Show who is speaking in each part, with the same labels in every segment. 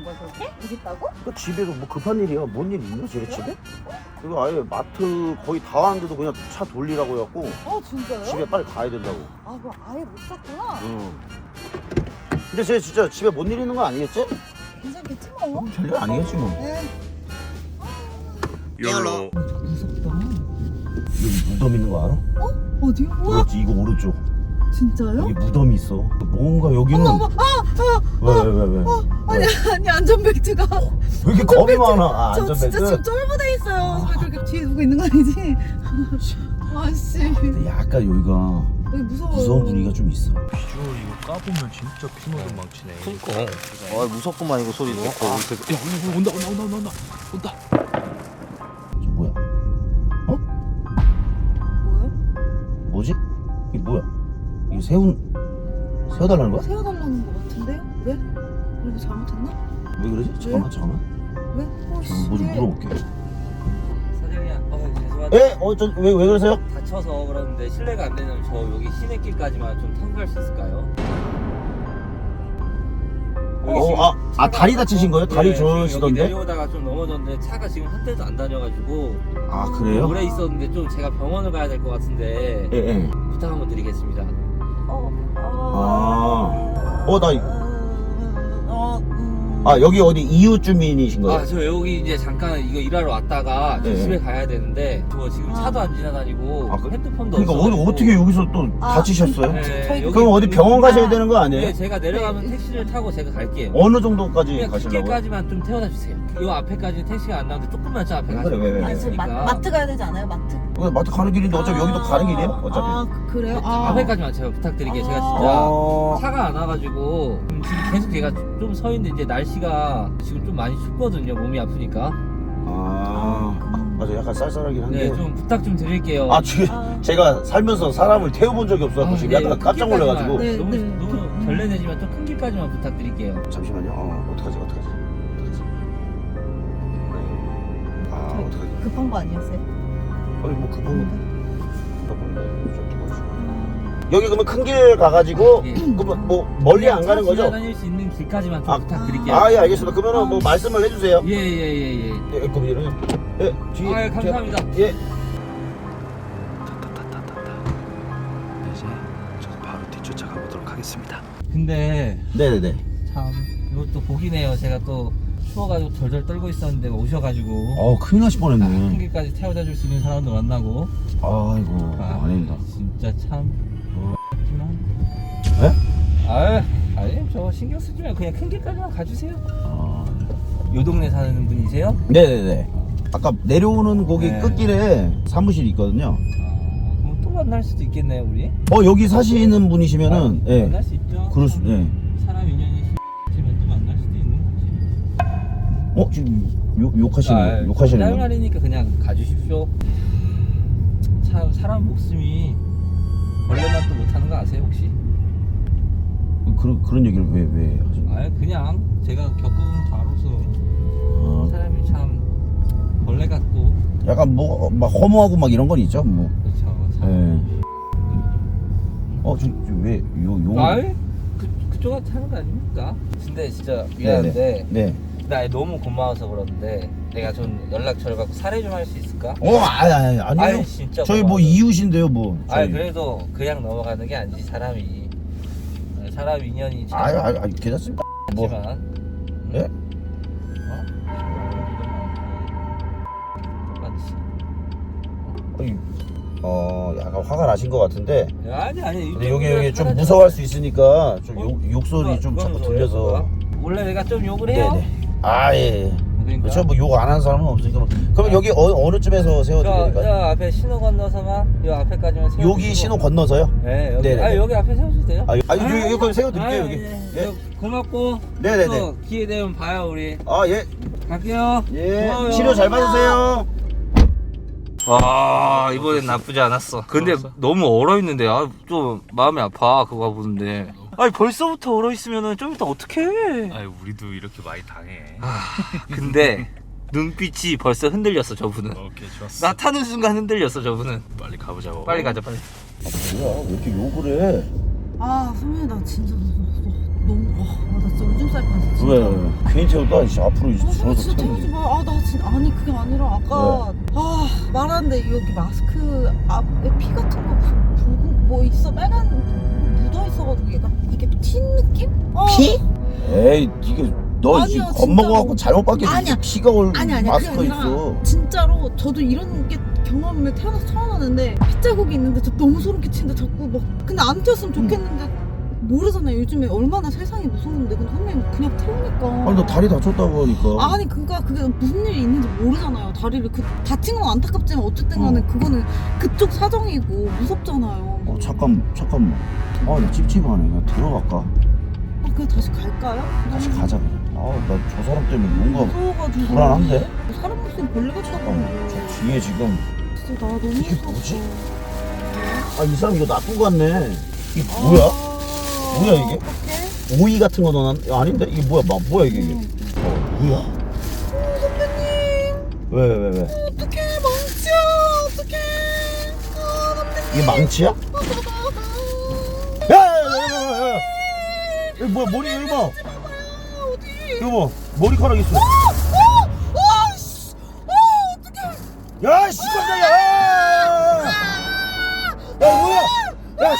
Speaker 1: 거야 저기? 여기 있다고?
Speaker 2: 그 집에서 뭐 급한 일이야. 뭔 일 있나 쟤네 집에? 이거 아예 마트 거의 다 왔는데도 그냥 차 돌리라고 해갖고
Speaker 1: 아 진짜요?
Speaker 2: 집에 빨리 가야 된다고.
Speaker 1: 아 그거 아예 못 샀구나.
Speaker 2: 응. 근데 쟤 진짜 집에 뭔 일 있는 거 아니겠지?
Speaker 1: 괜찮겠지 뭐.
Speaker 2: 별일 아니겠지 뭐.
Speaker 1: 네.
Speaker 3: 열로.
Speaker 1: 무섭다.
Speaker 2: 여기 무덤 있는 거 알아?
Speaker 1: 어디요? 우와
Speaker 2: 그렇지, 이거 오른쪽.
Speaker 1: 진짜요?
Speaker 2: 여기 무덤이 있어. 뭔가 여기는
Speaker 1: 어머
Speaker 2: 왜?
Speaker 1: 아니 안전벨트가
Speaker 2: 왜 이렇게 겁이 많아? 아,
Speaker 1: 저 진짜 지금
Speaker 2: 안전벨트.
Speaker 1: 쫄부돼 있어요. 왜 그렇게 뒤에 누구 있는 거 아니지? 아씨
Speaker 2: 근데 약간 여기가
Speaker 1: 여기 무서워요.
Speaker 2: 무서운 분위기가 좀 있어.
Speaker 3: 비주얼 이거 까보면 진짜 피노도 망치네.
Speaker 4: 그니까 아 무섭구만 이거 소리도.
Speaker 3: 야 온다.
Speaker 2: 저 뭐야?
Speaker 1: 뭐야?
Speaker 2: 뭐지? 이게 뭐야? 이거 세워달라는 거야?
Speaker 1: 세워달라는 거 같은데? 왜? 우리가 잘못했나?
Speaker 2: 왜 그러지? 잠깐만.
Speaker 1: 왜?
Speaker 2: 뭐 좀 물어볼게.
Speaker 4: 사장님 죄송한데
Speaker 2: 에? 왜 그러세요?
Speaker 4: 다쳐서 그러는데 실례가 안 되면 저 여기 시내길까지만 좀 타고 갈 수 있을까요?
Speaker 2: 다리 다치신 거예요? 다리
Speaker 4: 네, 지금 여기
Speaker 2: 저시던데?
Speaker 4: 내려오다가 좀 넘어졌는데 차가 지금 한 대도 안 다녀가지고
Speaker 2: 아, 그래요?
Speaker 4: 오래 있었는데 좀 제가 병원을 가야 될 것 같은데
Speaker 2: 예.
Speaker 4: 부탁 한번 드리겠습니다.
Speaker 2: 여기 어디 이웃 주민이신 거예요?
Speaker 4: 저 여기 이제 잠깐 이거 일하러 왔다가 저
Speaker 2: 네.
Speaker 4: 집에 가야 되는데 저 지금 차도 안 지나다니고 핸드폰도
Speaker 2: 그러니까
Speaker 4: 없어가지고.
Speaker 2: 어떻게 여기서 또 다치셨어요?
Speaker 4: 네,
Speaker 2: 그럼 어디 병원 가셔야 되는 거 아니에요?
Speaker 4: 네, 제가 내려가면 택시를 타고 제가 갈게요.
Speaker 2: 어느 정도까지
Speaker 4: 그냥
Speaker 2: 가시려고요?
Speaker 4: 뒷길까지만 좀 태워다 주세요. 이 앞에까지 택시가 안 나오는데 조금만 저 앞에 가시면
Speaker 2: 왜?
Speaker 1: 아니 지금
Speaker 4: 있으니까.
Speaker 1: 마트 가야 되지 않아요? 마트?
Speaker 2: 그냥 마트 가는 길인데 어차피 여기도 가는 길이에요? 어차피.
Speaker 1: 그래요?
Speaker 4: 앞에까지만 제가 부탁드릴게요. 제가 진짜 차가 안 와가지고 지금 계속 제가 좀 서 있는데 이제 날씨가 지금 좀 많이 춥거든요. 몸이 아프니까.
Speaker 2: 맞아, 약간 쌀쌀하긴 한데.
Speaker 4: 네, 좀 부탁 좀 드릴게요.
Speaker 2: 제가 살면서 사람을 태워본 적이 없어서 지금
Speaker 4: 네,
Speaker 2: 약간
Speaker 4: 큰
Speaker 2: 깜짝 놀라가지고.
Speaker 4: 길까지만,
Speaker 1: 네,
Speaker 4: 너무 결례내지만 좀 큰 길까지만 부탁드릴게요.
Speaker 2: 잠시만요. 어떡하지? 어떡하지? 어떡하지?
Speaker 1: 급한 거 아니었어요?
Speaker 2: 아니 뭐 급한 건데 좀 도와주시고. 여기 그러면 큰 길 가가지고
Speaker 4: 예.
Speaker 2: 그러면 뭐 멀리 안 가는 거죠?
Speaker 4: 다닐 수 있는 길까지만 좀 부탁드릴게요.
Speaker 2: 예, 알겠습니다. 그러면은 뭐 말씀을 해주세요.
Speaker 4: 예.
Speaker 2: 그럼 이러면 뒤에
Speaker 4: 감사합니다.
Speaker 2: 예.
Speaker 3: 이제 저도 바로 뒤쫓아가 보도록 하겠습니다.
Speaker 4: 근데
Speaker 2: 네네네.
Speaker 4: 참 이것도 복이네요. 제가 또 추워가지고 덜덜 떨고 있었는데 오셔가지고
Speaker 2: 큰일 나실
Speaker 4: 큰
Speaker 2: 뻔했네.
Speaker 4: 길까지 태워다 줄 수 있는 사람도 만나고.
Speaker 2: 아이고 아닙니다.
Speaker 4: 진짜 참.
Speaker 2: 네?
Speaker 4: 아니 저 신경 쓰지 말고 그냥 큰 길까지만 가주세요.
Speaker 2: 아,
Speaker 4: 요 동네 사는 분이세요?
Speaker 2: 네네네. 아까 내려오는 거기
Speaker 4: 네.
Speaker 2: 끝길에 사무실이 있거든요.
Speaker 4: 그럼 또 만날 수도 있겠네요 우리.
Speaker 2: 여기 사시는 분이시면은 예.
Speaker 4: 만날 수 있죠.
Speaker 2: 그럴 수
Speaker 4: 사람 인연이 있으면 또 만날 수도 있는 거지.
Speaker 2: 지금 욕하시는 욕하시는
Speaker 4: 짤
Speaker 2: 분.
Speaker 4: 말이니까 그냥 가주십시오. 참 사람 목숨이 벌레만 또 못하는 거 아세요 혹시?
Speaker 2: 그런 얘기를 왜 하시는 거예요?
Speaker 4: 그냥 제가 겪어본 바로서
Speaker 2: 아,
Speaker 4: 사람이 참 벌레 같고.
Speaker 2: 약간 뭐 막 허무하고 막 이런 건 있죠, 뭐.
Speaker 4: 그렇죠.
Speaker 2: 예. 지금 왜 요?
Speaker 4: 그쪽한테 하는 거 아닙니까? 근데 진짜 미안한데
Speaker 2: 네.
Speaker 4: 나 너무 고마워서 그러는데 내가 좀 연락처를 받고 사례 좀 할 수 있을까?
Speaker 2: 아니요.
Speaker 4: 진짜
Speaker 2: 저희 뭐
Speaker 4: 고마워서.
Speaker 2: 이웃인데요, 뭐.
Speaker 4: 그래도 그냥 넘어가는 게 아니지 사람이. 사람 인연이 참
Speaker 2: 괜찮습니다. 뭐.
Speaker 4: 있지만.
Speaker 2: 예? 약간 화가 나신 것 같은데.
Speaker 4: 아니.
Speaker 2: 근데 여기 좀 무서워할 수 있으니까 좀 욕소리 좀
Speaker 4: 그건
Speaker 2: 자꾸
Speaker 4: 뭐예요,
Speaker 2: 들려서.
Speaker 4: 그거가? 원래 내가 좀 욕을 해요?
Speaker 2: 네네. 예.
Speaker 4: 그러니까.
Speaker 2: 그렇죠. 뭐 욕 안 하는 사람은 없으니까. 그럼 여기 어느 쯤에서 세워드려야 될까요?
Speaker 4: 저 앞에 신호 건너서만 요 앞에까지만 세워.
Speaker 2: 여기 신호 건너서요?
Speaker 4: 네, 여기.
Speaker 2: 네네.
Speaker 4: 여기 앞에 세워주도 돼요?
Speaker 2: 여기 그럼 세워드릴게요, 여기.
Speaker 4: 예. 고맙고.
Speaker 2: 네네네.
Speaker 4: 또 기회 되면 봐요 우리.
Speaker 2: 예.
Speaker 4: 갈게요.
Speaker 2: 예.
Speaker 4: 고마워요.
Speaker 2: 치료 잘 받으세요.
Speaker 4: 와 이번엔 나쁘지 않았어. 근데 너무 얼어있는데 좀 마음이 아파 그거 보는데. 벌써부터 얼어있으면은 좀 이따 어떡해.
Speaker 3: 우리도 이렇게 많이 당해.
Speaker 4: 근데 눈빛이 벌써 흔들렸어 저분은.
Speaker 3: 오케이 좋았어.
Speaker 4: 나 타는 순간 흔들렸어 저분은.
Speaker 3: 빨리 가보자고.
Speaker 4: 빨리 가자 빨리.
Speaker 2: 뭐야? 왜 이렇게 욕을 해?
Speaker 1: 선배님 나 진짜 너무 나 진짜 오줌 쌀 뻔했어 진짜.
Speaker 2: 왜? 괜히 태우다 이제 앞으로 이제
Speaker 1: 아,
Speaker 2: 줄어서
Speaker 1: 진짜 태우지
Speaker 2: 태우지.
Speaker 1: 마. 아, 나 진짜 아니 그게 아니라 아까 말하는데 여기 마스크 앞에 피 같은 거 붉은 뭐 있어 빨간 묻어 있어가지고 얘가 이게 튄 느낌?
Speaker 2: 피? 에이 이게 너
Speaker 1: 아니야,
Speaker 2: 지금
Speaker 1: 진짜로.
Speaker 2: 겁먹어갖고 잘못 봤겠지.
Speaker 1: 아니야.
Speaker 2: 피가 올
Speaker 1: 아니
Speaker 2: 마스크가
Speaker 1: 그게 아니라
Speaker 2: 있어.
Speaker 1: 진짜로 저도 이런 게 경험을 태어나서 처음 하는데 핏자국이 있는데 저 너무 소름 끼치는데 자꾸 막 근데 안 튀었으면 좋겠는데 모르잖아요. 요즘에 얼마나 세상이 무서운데 근데 선배님 그냥 태우니까.
Speaker 2: 아니 너 다리 다쳤다고 하니까.
Speaker 1: 아니 그러니까 그게 무슨 일이 있는지 모르잖아요. 다리를 다친 건 안타깝지만 어쨌든 간에 그거는 그쪽 사정이고 무섭잖아요.
Speaker 2: 잠깐만. 나 찝찝하네. 그냥 들어갈까?
Speaker 1: 그냥 다시 갈까요?
Speaker 2: 다시 가자 그냥. 나 저 사람 때문에 뭔가
Speaker 1: 무서워가지고
Speaker 2: 불안한데?
Speaker 1: 사람 목소리 벌레 같다고.
Speaker 2: 잠깐만. 저 뒤에 지금
Speaker 1: 진짜 나 너무
Speaker 2: 이게
Speaker 1: 무서워.
Speaker 2: 뭐지? 이 사람 이거 놔두고 갔네. 이게 뭐야? 뭐야, 이게?
Speaker 1: 어떡해?
Speaker 2: 오이 같은 거 넣어놨? 아닌데? 이게 뭐야? 뭐야 이게? 뭐야?
Speaker 1: 선배님
Speaker 2: 왜?
Speaker 1: 어떡해 망치야 어떡해 선배님
Speaker 2: 이게 망치야? 야! 여기 뭐야? 머리 여기 봐.
Speaker 1: 어디
Speaker 2: 여기 봐. 머리카락 있어.
Speaker 1: 씨. 어떡해
Speaker 2: 야, 씨, 깜짝이야! 야, 뭐야? 야,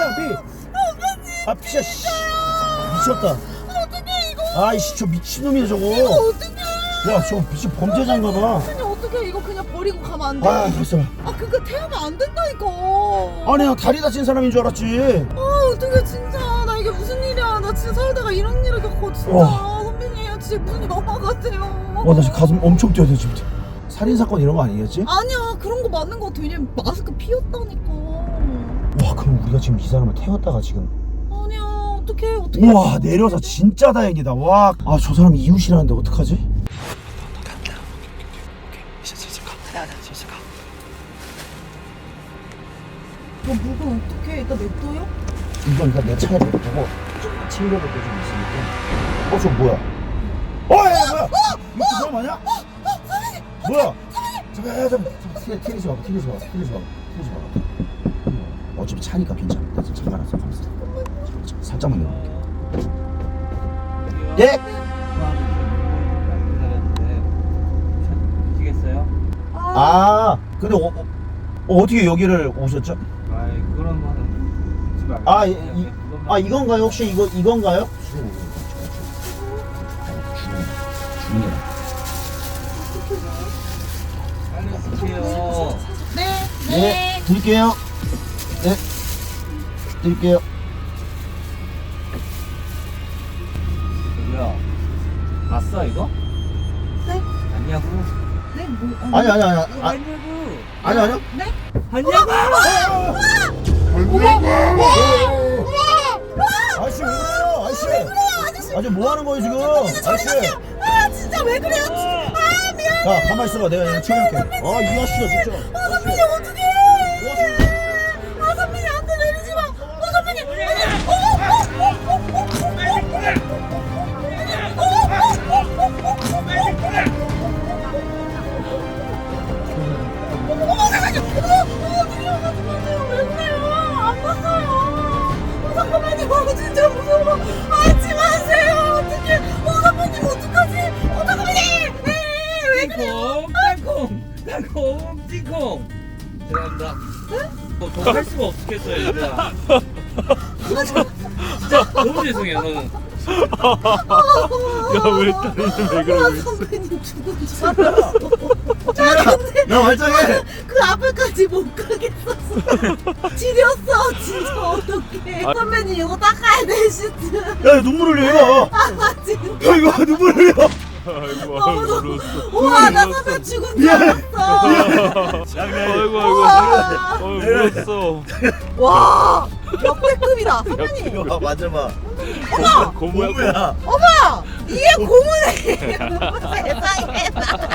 Speaker 2: 피. 피야, 씨. 미쳤다.
Speaker 1: 어떡해 이거
Speaker 2: 아이씨, 저 미친놈이야, 저거.
Speaker 1: 어떡해
Speaker 2: 야, 저거 미친 범죄자인가 봐.
Speaker 1: 선배님 어떡해 이거 그냥 버리고 가면 안 돼?
Speaker 2: 됐어.
Speaker 1: 그거 태우면 안 된다니까
Speaker 2: 아니, 나 다리 다친 사람인 줄 알았지.
Speaker 1: 어떡해 진짜 나 이게 무슨 일이야 나 진짜 살다가 이런 일을 겪고 진짜 선배님 진짜 무슨 영화 같아요
Speaker 2: 나 지금 가슴 엄청 뛰어야 돼, 지금. 살인사건 이런 거 아니겠지?
Speaker 1: 아니야 그런 거 맞는 거 같아 왜냐면 마스크 피었다니까
Speaker 2: 와, 그럼 우리가 지금 이 사람을 태웠다가 지금.
Speaker 1: 아니야 어떡해
Speaker 2: 우와, 내려서 진짜 다행이다. 와, 저 사람 이웃이라는데 어떡하지?
Speaker 3: 간다. 오케이. 이제 슬슬 가. 슬슬 가.
Speaker 1: 너 물건 어떡해 이따 냅둬요?
Speaker 2: 이건 일단 내 차에 보고 좀 챙겨볼 게 좀 있으니까. 저 뭐야? 야, 뭐야? 이거 그 사람 아니야? 뭐야? 잠깐. 티내지 마. 어차피 차니까 괜찮아. 나 지금 잠가놨어. 가만있어. 살짝만 열어볼게. 예?
Speaker 4: 보시겠어요?
Speaker 2: 근데 어떻게 여기를 오셨죠?
Speaker 4: 그런 거는 듣지 말고.
Speaker 2: 이건가요? 혹시 이건가요?
Speaker 4: 빨리 드세요.
Speaker 2: 네, 드릴게요. 네, 드릴게요.
Speaker 4: 저기요. 봤어 이거?
Speaker 1: 네?
Speaker 4: 아니냐고?
Speaker 1: 네? 뭐
Speaker 2: 아니요.
Speaker 4: 아니냐고?
Speaker 1: 네?
Speaker 4: 아니냐고?
Speaker 2: 아저씨 왜 그래요? 아저씨 뭐 하는 거예요 지금? 아저씨.
Speaker 1: 진짜 왜 그래요?
Speaker 2: 야, 가만 있어봐. 내가 얘네 처리할게. 이 아저씨가 진짜.
Speaker 1: 선배님 어떡해 선배님 안돼 내리지 마 선배님 왜 그래요? 안 봤어요. 잠깐만요. 진짜 무서워. 하지 마세요. 어떡해. 선배님 어떡하지? 선배님. 왜 그래요?
Speaker 4: 땅콩 띵콩. 죄송합니다. 더 할 수가 없겠어요 얘들아. 진짜 너무 죄송해요 저는.
Speaker 3: 야왜 딸이는 왜 그러고 있어?
Speaker 1: 선배님 죽은 줄 알았어.
Speaker 2: 야, 말짱해.
Speaker 1: 그 앞에까지 못 가겠었어. 지렸어. 진짜 어떡해. 선배님 이거 닦아야 돼 시트.
Speaker 2: 야, 눈물 흘려 이거.
Speaker 1: 진짜.
Speaker 2: 야, 이거 눈물 흘려.
Speaker 3: 아이고
Speaker 1: 너무
Speaker 3: 울었어.
Speaker 1: 우와 나 선배 죽은 줄 알았어.
Speaker 3: 아이고 울었어.
Speaker 1: 와 역대급이다 선배님.
Speaker 2: 맞아봐.
Speaker 1: 어머
Speaker 3: 고모야.
Speaker 1: 어머 이게 고문이에요. 세상에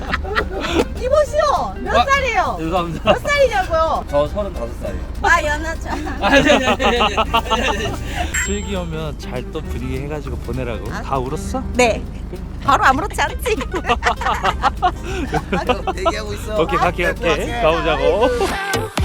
Speaker 1: 이보시오 몇 살이에요?
Speaker 4: 죄송합니다.
Speaker 1: 몇 살이냐고요?
Speaker 4: 저 35살이에요.
Speaker 1: 연하자.
Speaker 4: 아니.
Speaker 3: 슬기 오면 잘 또 분위기 해가지고 보내라고. 다 울었어?
Speaker 1: 네 바로 아무렇지 않지.
Speaker 2: 대기하고 있어.
Speaker 3: 오케이 갈게. 가보자고.